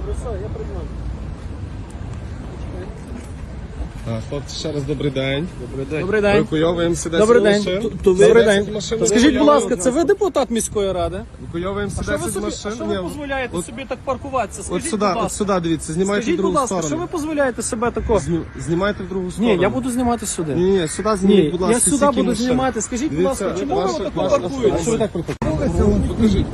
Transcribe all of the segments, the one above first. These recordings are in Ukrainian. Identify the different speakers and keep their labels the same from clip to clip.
Speaker 1: Добре, все, я приймаю.
Speaker 2: Хлопці, ще раз добрий день.
Speaker 1: Добрий день.
Speaker 2: Евакуйовуємося десь
Speaker 1: Добрий день.
Speaker 2: машин.
Speaker 1: Добрий день.
Speaker 2: Машин
Speaker 1: Скажіть, будь ласка,
Speaker 2: евакуйовуємо.
Speaker 1: це ви депутат міської ради?
Speaker 2: Евакуйовуємося
Speaker 1: Що ви
Speaker 2: 10
Speaker 1: собі,
Speaker 2: машин.
Speaker 1: що ви
Speaker 2: Ні,
Speaker 1: дозволяєте собі так паркуватися?
Speaker 2: От
Speaker 1: Скажіть,
Speaker 2: сюди,
Speaker 1: будь ласка.
Speaker 2: от сюди, дивіться, знімайте в
Speaker 1: Скажіть, будь
Speaker 2: другу
Speaker 1: ласка, що
Speaker 2: сторону.
Speaker 1: ви дозволяєте себе тако?
Speaker 2: Знімайте в другу сторону.
Speaker 1: Ні, я буду знімати сюди.
Speaker 2: Ні, сюди зніміть,
Speaker 1: Ні,
Speaker 2: будь ласка,
Speaker 1: я сюди
Speaker 2: стільки
Speaker 1: буду
Speaker 2: машин.
Speaker 1: знімати. Скажіть, будь
Speaker 2: Дивіться,
Speaker 1: ласка, чому ви
Speaker 2: ваша-
Speaker 1: так
Speaker 2: ваша-
Speaker 1: паркуєте?
Speaker 2: Що ви так паркуєте? Покажіть.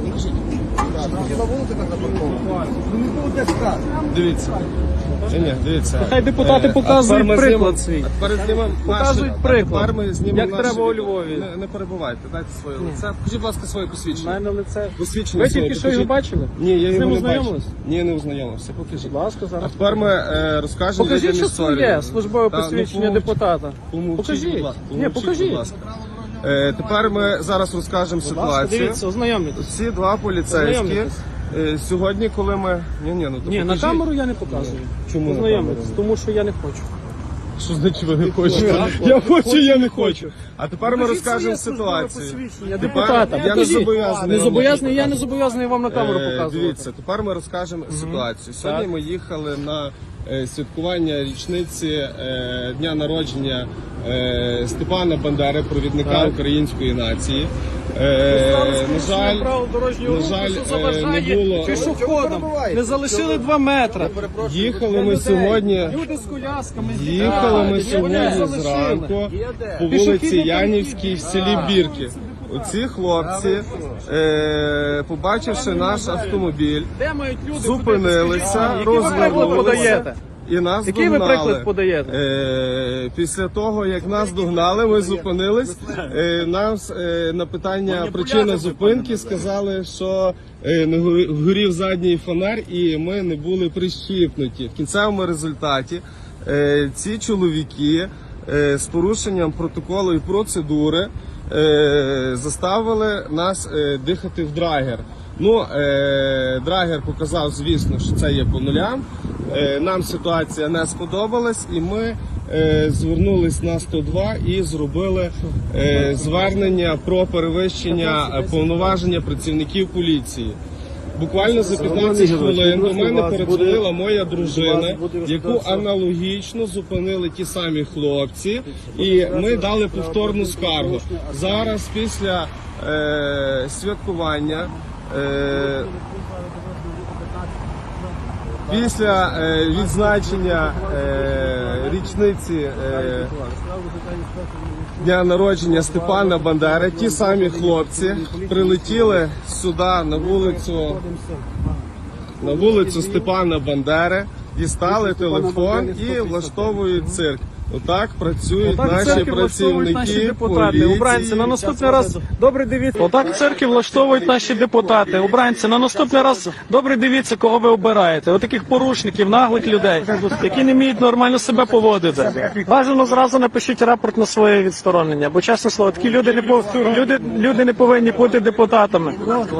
Speaker 2: Дивіться. Ні, дивіться.
Speaker 1: Хай депутати показують приклад свій. Показують приклад,
Speaker 2: Тепер ми знімемо
Speaker 1: як
Speaker 2: наше
Speaker 1: треба у
Speaker 2: відео.
Speaker 1: Львові.
Speaker 2: Не перебувайте, дайте своє лице. Покажіть, будь ласка, своє
Speaker 1: У
Speaker 2: посвідчення.
Speaker 1: мене лице.
Speaker 2: Посвідчення
Speaker 1: Ви
Speaker 2: своє
Speaker 1: тільки що його
Speaker 2: покажіть.
Speaker 1: бачили?
Speaker 2: Ні, я
Speaker 1: З
Speaker 2: його
Speaker 1: ним
Speaker 2: не
Speaker 1: ознайомились?
Speaker 2: бачив. Ні, не ознайомився. Покажіть.
Speaker 1: Будь ласка,
Speaker 2: А
Speaker 1: зараз.
Speaker 2: тепер ми розкажемо
Speaker 1: Покажіть,
Speaker 2: людям
Speaker 1: що
Speaker 2: історію.
Speaker 1: це є службове
Speaker 2: Та, ну,
Speaker 1: посвідчення депутата.
Speaker 2: Помовчіть,
Speaker 1: Покажіть.
Speaker 2: будь ласка.
Speaker 1: Ні,
Speaker 2: Помовчіть,
Speaker 1: покажіть.
Speaker 2: будь ласка. Тепер ми зараз розкажемо
Speaker 1: Будь ласка,
Speaker 2: ситуацію.
Speaker 1: дивіться, ознайомлюйтесь.
Speaker 2: Ці два поліцейські.
Speaker 1: Ознайомтесь.
Speaker 2: Сьогодні, коли ми... Ні, то
Speaker 1: Ні, на
Speaker 2: покажіть.
Speaker 1: камеру я не показую.
Speaker 2: Чому на
Speaker 1: Ознайомитись,
Speaker 2: камеру?
Speaker 1: тому що я не хочу.
Speaker 2: Що значить ви не хочете? Я хочу, я не хочу. А тепер ми розкажемо ситуацію.
Speaker 1: Депутата,
Speaker 2: я не
Speaker 1: покажіть.
Speaker 2: зобов'язаний.
Speaker 1: Не
Speaker 2: вам
Speaker 1: зобов'язаний, я не зобов'язаний вам на камеру показувати.
Speaker 2: Дивіться, тепер ми розкажемо ситуацію. Сьогодні ми їхали на святкування річниці дня народження Степана Бандери, провідника української нації. На жаль, не було.
Speaker 1: Пішоходом не залишили 2 метри.
Speaker 2: Їхали ми сьогодні.
Speaker 1: Люди з колясками
Speaker 2: Їхали ми сьогодні
Speaker 1: залишили.
Speaker 2: зранку по вулиці
Speaker 1: Пішохідний
Speaker 2: Янівській в селі Бірки. Оці хлопці, побачивши наш автомобіль,
Speaker 1: Де мають люди?
Speaker 2: зупинилися,
Speaker 1: Який ви приклад
Speaker 2: розвернулися
Speaker 1: подаєте?
Speaker 2: і нас
Speaker 1: Який ви
Speaker 2: догнали.
Speaker 1: приклад подаєте?
Speaker 2: Після того, як нас догнали, ми зупинились. Нам на питання причини зупинки сказали, що не горів задній фонар і ми не були прищіпнуті. В кінцевому результаті ці чоловіки з порушенням протоколу і процедури заставили нас дихати в драгер. Ну, драгер показав, звісно, що це є по нулям. Нам ситуація не сподобалась, і ми звернулись на 102 і зробили звернення про перевищення повноваження працівників поліції. Буквально за 15 хвилин до мене передзвонила моя дружина, яку аналогічно зупинили ті самі хлопці, і ми дали повторну скаргу. Зараз після святкування, після відзначення річниці дня народження Степана Бандери, ті самі хлопці прилетіли сюди на вулицю Степана Бандери, дістали телефон і влаштовують цирк. Отак працюють наші працівники
Speaker 1: депутати. Обранці, на наступний раз добре дивіться. Отак в церкві влаштовують наші депутати. Обранці, на наступний раз добре дивіться, кого ви обираєте. Отаких порушників, наглих людей, які не вміють нормально себе поводити. Бажано зразу напишіть рапорт на своє відсторонення, бо чесне слово, такі люди не повинні бути депутатами.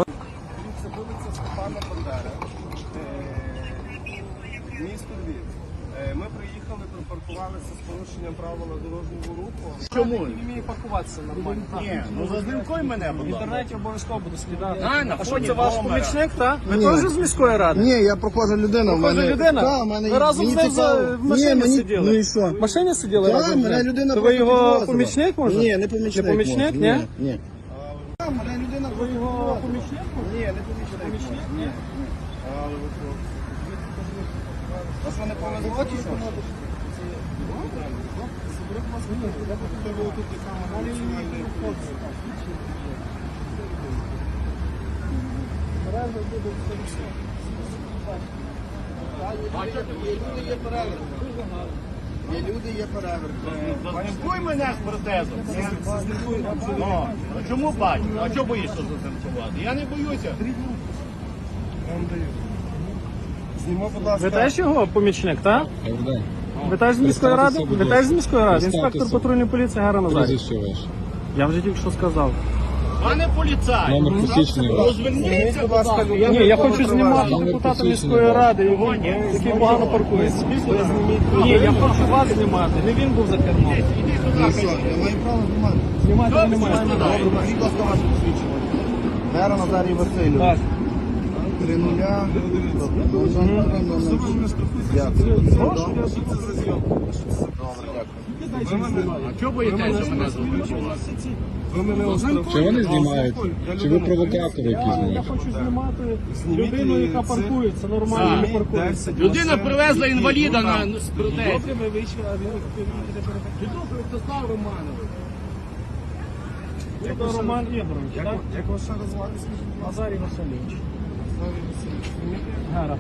Speaker 2: Місто Львів. Ми приїхали, припаркувалися з порушенням правила дорожнього руху.
Speaker 1: Чому? Не вміє паркуватися нормально.
Speaker 3: Ні, ну зазнімкуй мене,
Speaker 1: В
Speaker 3: будь ласка.
Speaker 1: інтернеті обов'язково буде скидати.
Speaker 3: На
Speaker 1: А що
Speaker 3: фоні
Speaker 1: це ваш
Speaker 3: номера.
Speaker 1: помічник, так? Ви теж з міської ради?
Speaker 4: Ні, я прохожа людина.
Speaker 1: Прохожа людина?
Speaker 4: Да, в мене,
Speaker 1: Ви разом
Speaker 4: мені
Speaker 1: з ним
Speaker 4: цікаво.
Speaker 1: в машині
Speaker 4: Ні, мені,
Speaker 1: сиділи?
Speaker 4: Ну і що?
Speaker 1: В машині сиділи
Speaker 4: Так,
Speaker 1: разом з
Speaker 4: мене
Speaker 1: ним?
Speaker 4: людина
Speaker 1: То ви
Speaker 4: просто
Speaker 1: його
Speaker 4: підвозила.
Speaker 1: помічник, може?
Speaker 4: Ні, не помічник.
Speaker 1: Не помічник,
Speaker 4: може.
Speaker 1: ні?
Speaker 4: Ні. Мене людина
Speaker 1: Ви його помічник?
Speaker 4: Ні, не помічник.
Speaker 1: Ні.
Speaker 4: А що, не повезло чи що?
Speaker 3: Є люди, є переверт. Зазнімкуй мене з протезом. Ну, а чому бачу? А чого боїшся зазнімкувати? Я не боюся.
Speaker 2: Знімо, будь ласка.
Speaker 1: Ви теж його помічник, так? Ви теж з міської ради? Ви теж з міської ради? Інспектор патрульної поліції Гара Назарій. Я вже тільки що сказав.
Speaker 3: Пане поліцай, розверніться, будь ласка.
Speaker 1: Ні, я хочу знімати депутата міської ради, який погано паркується. Ні, я хочу вас знімати, не він був за кермом.
Speaker 4: Ну що, я маю право знімати.
Speaker 1: Знімати ви не маєте.
Speaker 4: Добре, будь ласка, ваше посвідчення. Гера Назарій Васильович.
Speaker 1: Так.
Speaker 4: 3-0.
Speaker 3: А чого боїтеся мене зупинувати?
Speaker 2: Чи вони знімають? Чи ви провокатори якісь?
Speaker 1: Я хочу знімати людину, яка паркується, нормально не паркується.
Speaker 3: Людина привезла інваліда на протезі.
Speaker 1: Добре, ви вийшли, а він
Speaker 3: Ростислав Романович.
Speaker 1: це Роман Ігорович, так?
Speaker 4: Як вас ще розвати?
Speaker 1: Назарій Васильович. Гара.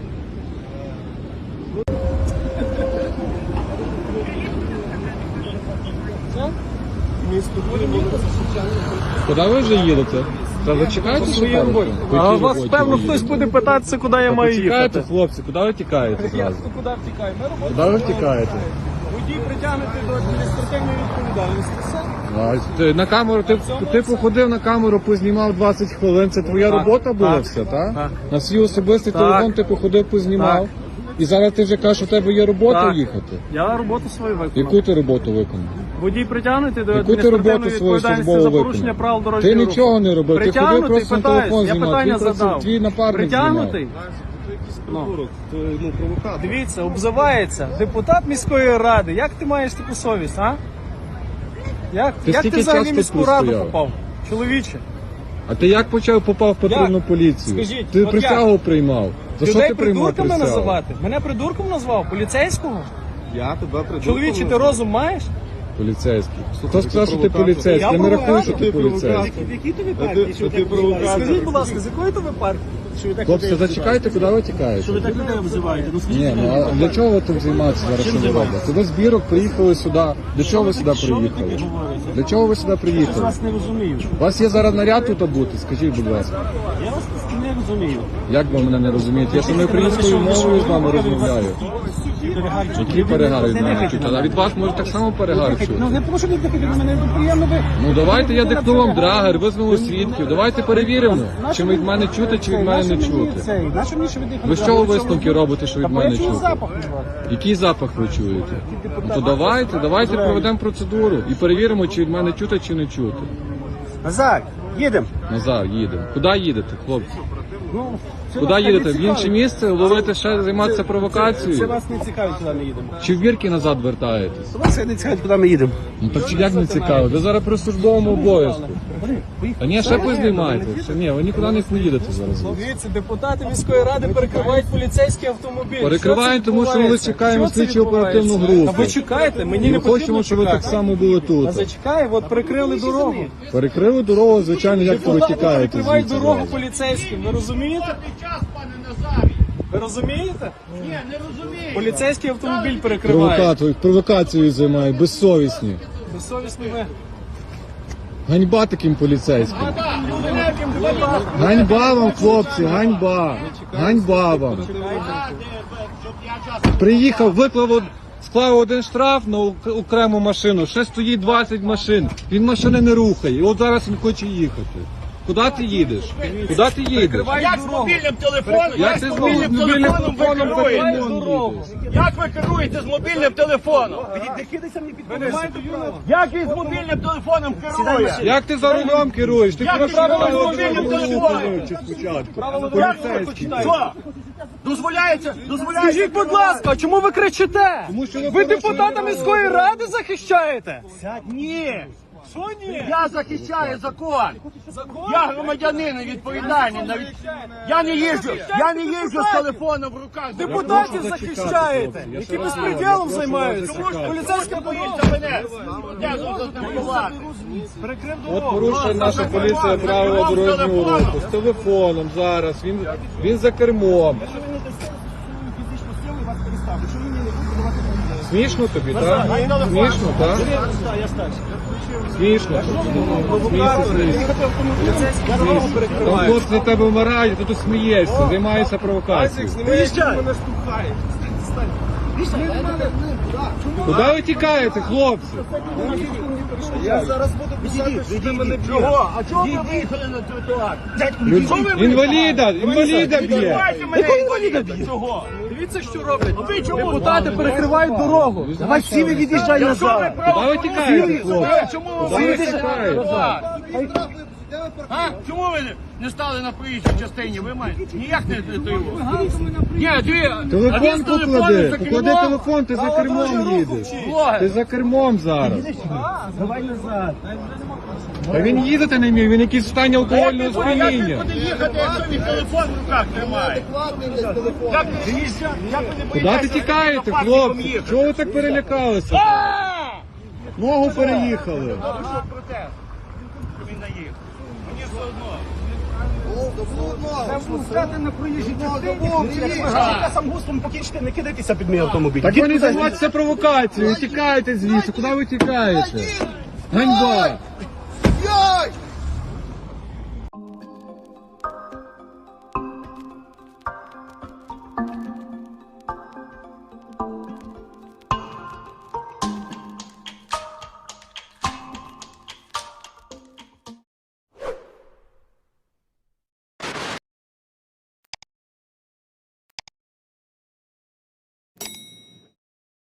Speaker 2: Куди ви вже їдете? Та ви чекаєте?
Speaker 1: Своєю роботою. А вас, певно, хтось буде питатися, куди я маю їхати.
Speaker 2: Хлопці, куди ви тікаєте зразу?
Speaker 1: Куди втікаю? Ми роботу.
Speaker 2: Куди ви втікаєте?
Speaker 1: Водій притягнути до адміністративної відповідальності. Все.
Speaker 2: На камеру, ти походив на камеру, познімав 20 хвилин, це твоя робота була
Speaker 1: так,
Speaker 2: все, так?
Speaker 1: так.
Speaker 2: На свій особистий
Speaker 1: Так.
Speaker 2: телефон ти походив, познімав. І зараз ти вже кажеш, у тебе є робота
Speaker 1: Так.
Speaker 2: їхати.
Speaker 1: Я роботу свою виконав.
Speaker 2: Яку ти роботу виконав?
Speaker 1: Водій притягнути до
Speaker 2: Яку ти
Speaker 1: адміністративної
Speaker 2: роботу свою
Speaker 1: відповідальності
Speaker 2: службову
Speaker 1: за
Speaker 2: виконав?
Speaker 1: порушення правил
Speaker 2: Ти
Speaker 1: дорожнього руху.
Speaker 2: нічого не робив, ти ходив
Speaker 1: Притягнутий,
Speaker 2: просто на
Speaker 1: питаюсь,
Speaker 2: телефон
Speaker 1: я
Speaker 2: знімав.
Speaker 1: питання
Speaker 2: Твій
Speaker 1: задав.
Speaker 2: твій напарник
Speaker 1: Притягнутий? Дивіться, обзивається депутат міської ради. Як ти маєш таку совість, а? Як
Speaker 2: скільки
Speaker 1: ти взагалі в
Speaker 2: часу
Speaker 1: міську
Speaker 2: тут
Speaker 1: раду
Speaker 2: стояв?
Speaker 1: попав? Чоловіче.
Speaker 2: А ти як попав в патрульну
Speaker 1: Як?
Speaker 2: поліцію?
Speaker 1: Скажіть,
Speaker 2: Ти
Speaker 1: от
Speaker 2: присягу приймав. За що
Speaker 1: Людей
Speaker 2: ти приймав
Speaker 1: придурками
Speaker 2: присягу?
Speaker 1: називати? Мене придурком назвав? Поліцейського?
Speaker 4: Я тебе придумав.
Speaker 1: Чоловіче, ти розум маєш?
Speaker 2: Поліцейський. Хто сказав, що ти поліцейський? Я не рахую, що ти поліцейський.
Speaker 1: В якій тобі партії? Скажіть, будь ласка, з якої тобі партії? Що ви так
Speaker 2: Хлопці,
Speaker 1: людей
Speaker 2: зачекайте, куди ви тікаєте?
Speaker 1: Що ви так людей обзиваєте? Ну скажіть,
Speaker 2: Ні, ну а для чого ви тут займаєтеся зараз? Що ви робите? Ви з бірок приїхали сюди. Для чого ви сюди приїхали? Для чого ви сюди
Speaker 1: я
Speaker 2: приїхали?
Speaker 1: вас не розумію.
Speaker 2: У вас є зараз наряд тут бути? Скажіть, будь ласка.
Speaker 1: Я вас не розумію.
Speaker 2: Як ви мене не розумієте? Я саме українською мовою з вами розмовляю. Які перегари з нами чуть? А від вас може так само перегар чути.
Speaker 1: Ну не тому, що ви дихаєте на мене, приємно ви.
Speaker 2: Ну давайте я дихну вам драгер, візьмемо свідків. Давайте перевіримо, чи від мене чути, чи від мене не чути.
Speaker 1: Нащо мені, що ви дихаєте?
Speaker 2: Ви з чого висновки робите, що від мене
Speaker 1: Я чую
Speaker 2: чути?
Speaker 1: запах від вас.
Speaker 2: Який запах ви чуєте? Ну то давайте проведемо процедуру і перевіримо, чи від мене чути, чи не чути.
Speaker 1: Назар, їдемо.
Speaker 2: Назар, їдемо. Куди їдете, хлопці?
Speaker 1: Ну, це
Speaker 2: Куди
Speaker 1: вас
Speaker 2: їдете?
Speaker 1: не
Speaker 2: В інше
Speaker 1: цікавить.
Speaker 2: місце? Ловити ще, займатися
Speaker 1: Це
Speaker 2: провокацією?
Speaker 1: вас не цікавить, куди ми їдемо.
Speaker 2: Чи в бірки назад вертаєтесь?
Speaker 1: Вас не цікавить, куди ми їдемо.
Speaker 2: Ну так чи як не цікаво? Ви зараз при службовому обов'язку. А ні, ще познімайте. Ще ні, ви нікуди не поїдете зараз.
Speaker 1: Дивіться, депутати міської ради перекривають поліцейський автомобіль.
Speaker 2: Перекриваємо, тому що ми
Speaker 1: відбувається?
Speaker 2: чекаємо
Speaker 1: Що це
Speaker 2: слідчу оперативну
Speaker 1: відбувається?
Speaker 2: групу.
Speaker 1: Та ви чекайте, мені не
Speaker 2: Ми
Speaker 1: потрібно
Speaker 2: хочемо, щоб ви
Speaker 1: чекати.
Speaker 2: так само були
Speaker 1: А
Speaker 2: тут.
Speaker 1: зачекай, от перекрили дорогу.
Speaker 2: Перекрили дорогу, звичайно, як то ви
Speaker 1: Депутати
Speaker 2: тікаєте
Speaker 1: перекривають
Speaker 2: звідси.
Speaker 1: дорогу
Speaker 2: зараз?
Speaker 1: поліцейським, ви розумієте?
Speaker 3: Час, пане Назарій.
Speaker 1: Ви розумієте?
Speaker 3: Ні, не розумію.
Speaker 1: Поліцейський автомобіль перекриває.
Speaker 2: Провокацією займають, безсовісні.
Speaker 1: Безсовісні ви.
Speaker 2: Ганьба таким поліцейським.
Speaker 3: Великим інвалідом.
Speaker 2: Ганьба вам, хлопці, ганьба. Ганьба вам.
Speaker 3: Щоб я час.
Speaker 2: Приїхав, склав один штраф на окрему машину, ще стоїть 20 машин. Він машини не рухає. І от зараз він хоче їхати. Куди ти їдеш? Куди ти їдеш?
Speaker 3: Як з мобільним телефоном?
Speaker 2: Як ти з мобільним телефоном
Speaker 3: ви керуєте?
Speaker 1: Дорогу.
Speaker 3: Як ви керуєте з мобільним телефоном? Як він з мобільним телефоном керує?
Speaker 2: Як ти за рулем керуєш? Ти
Speaker 3: Як
Speaker 2: про
Speaker 3: ти
Speaker 2: правила
Speaker 3: керуєш
Speaker 2: дорожнього
Speaker 3: мобільним
Speaker 2: руху
Speaker 3: телефоном?
Speaker 2: вивчи спочатку.
Speaker 3: Поліцейський. Що? Дозволяється?
Speaker 1: Скажіть, будь ласка, чому ви кричите?
Speaker 2: Тому що ви
Speaker 1: Ви депутата міської ради захищаєте?
Speaker 3: Ні.
Speaker 1: Що ні?
Speaker 3: Я захищаю закон. Я громадянин відповідальний. Я не їжджу з телефоном в руках.
Speaker 1: Депутатів захищаєте, які безпреділом займаються. Поліцейська
Speaker 3: Боїться мене. Я тут спілкувати.
Speaker 1: перекрив
Speaker 2: От
Speaker 1: дорогу.
Speaker 2: порушує наша поліція правила дорожнього руху. З телефоном зараз. Він за кермом. Смішно тобі, так? Смішно, так? Смішно. Там хлопці на тебе вмирають, ти тут смієшся, займаєшся провокацією.
Speaker 1: Виїжджай.
Speaker 2: Куди ви тікаєте, хлопці?
Speaker 4: Я зараз буду писати, що ти мене б'єш.
Speaker 3: Чого? А чого ви виїхали на тротуар?
Speaker 2: Інваліда б'є.
Speaker 3: Давайте мене інваліда б'є. Чого?
Speaker 1: Дивіться, що роблять.
Speaker 3: Ви чому?
Speaker 1: Депутати перекривають дорогу.
Speaker 4: Давай всі ви від'їжджай
Speaker 3: Якщо ви
Speaker 4: назад.
Speaker 3: право
Speaker 2: Куди ви тікаєте, хлопці?
Speaker 3: чому
Speaker 2: Куди
Speaker 3: ви
Speaker 2: ви тікаєте?
Speaker 3: А? Чому ви не стали на проїжджій частині? Ви маєте? Ніяк не його. Ні,
Speaker 5: Телефон поклади, поклади телефон, ти за кермом їдеш.
Speaker 3: Блогер.
Speaker 5: Ти за кермом зараз.
Speaker 4: Давай назад.
Speaker 5: Та він їздити не міг, він якийсь в стані алкогольного
Speaker 3: Як він
Speaker 5: сп'яніння.
Speaker 3: буде їхати, якщо він телефон в руках тримає? Як
Speaker 5: Куди ти тікаєте, хлопці? Чого ви так перелякалися? Ногу переїхали.
Speaker 3: Протест. Він наїхав. Мені все одно.
Speaker 4: Стати на проїжджій частині. Я сам густом покінчити, не кидайтеся під мій автомобіль.
Speaker 5: Так ви не займайтеся провокацією, тікаєте звідси, куди ви тікаєте? Ганьба!